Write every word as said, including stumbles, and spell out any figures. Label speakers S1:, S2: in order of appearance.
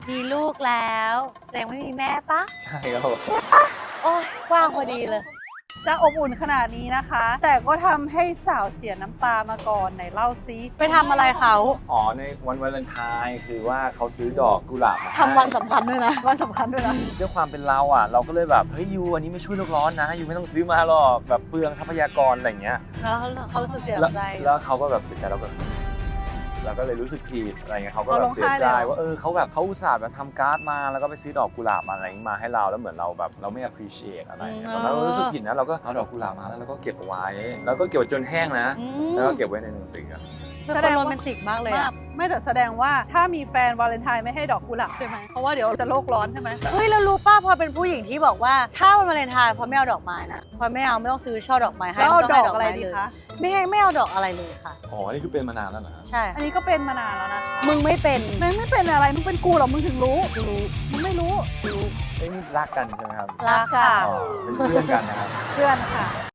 S1: มีลูกแล้วแต่ยังไม่มีแม่ปะ
S2: ใช่ครับผม
S1: โอ้ยว่างพอดีเลย
S3: จะอบอุ่นขนาดนี้นะคะ แต่ก็ทำให้สาวเสียน้ำตามาก่อนไหนเล่าซิ
S1: ไปทำอะไรเขา
S2: อ๋อในวันวาเลนไทน์คือว่าเขาซื้อดอกกุหลาบมาให้
S1: ทำวันสำคัญด้วยนะ
S3: วันสำคัญด้วยนะ
S2: ด้วยความเป็นเราอ่ะ เราก็เลยแบบเฮ้ยยูอันนี้ไม่ช่วยโลกร้อนนะยูไม่ต้องซื้อมาหรอกแบบเปลืองทรัพยากรอะไรอย่างเงี้ย
S1: แล้วเขารู้สึกเสีย
S2: แล้ว
S1: ใจ
S2: แล้วเขาก็แบบเสียใจเราก็เราก็เลยรู้สึกผิดอะไรเงี้ยเขาก็แบ
S3: เอาร้
S2: บ
S3: อง
S2: เสีย
S3: ไห้
S2: ใจ
S3: เลยเหรอ
S2: ว่าเออเขาแบบเขาอุตส่าห์มาทำการ์ดมาแล้วก็ไปซื้อดอกกุหลาบมาอะไรอย่างงี้มาให้เราแล้วเหมือนเราแบบเราไม่ appreciate อะไรเงี้ยตอนนั้นเรารู้สึกผิดนะเราก็เอาดอกกุหลาบมาแล้วเราก็เก็บเอาไว้ แล้วก็เก็บไว้จนแห้งนะ
S1: อืม
S2: แล้วก็เก็บไว้ในหนังสือ
S1: เป็นคนโรแมนติกมากเลย
S3: มา
S1: อะ
S3: กไม่แต่แสดงว่าถ้ามีแฟนวาเลนไทน์ไม่ให้ดอกกุหลาบใช่ไหมเพราะว่าเดี๋ยวจะโลกร้อนใช่ไหม
S1: เฮ้ยแล้วรู้ป่ะพอเป็นผู้หญิงที่บอกว่าถ้าวันวาเลนไทน์พอไม่เอาดอกไม้นะพอไม่เอาไม่ต้องซื้อช่อดอกไม้ให้
S3: แล้วเอา
S1: ไม่
S3: ด
S1: ต้ง
S3: อ
S1: ให้
S3: กอะไร
S1: ม้
S3: ดี
S1: เลย
S3: คะ
S1: ไม่ให้ไม่เอาดอกอะไรเลยค่ะ
S2: อ๋อนี่คือเป็นมานานแล้วนะ
S1: ใช่
S3: อันนี้ก็เป็นมานานแล้วนะคะ
S1: มึงไม่เป็น
S3: แม่งไม่เป็นอะไรมึงเป็นกูเหรอมึงถึงรู้รู้มึงไม่รู้รู้
S2: เอ้ยนี่รักกันใช่ไหมครับ
S1: รักค่ะ
S2: อ๋อเป็นเพื่อนกันนะครับ
S3: เพื่อนค่ะ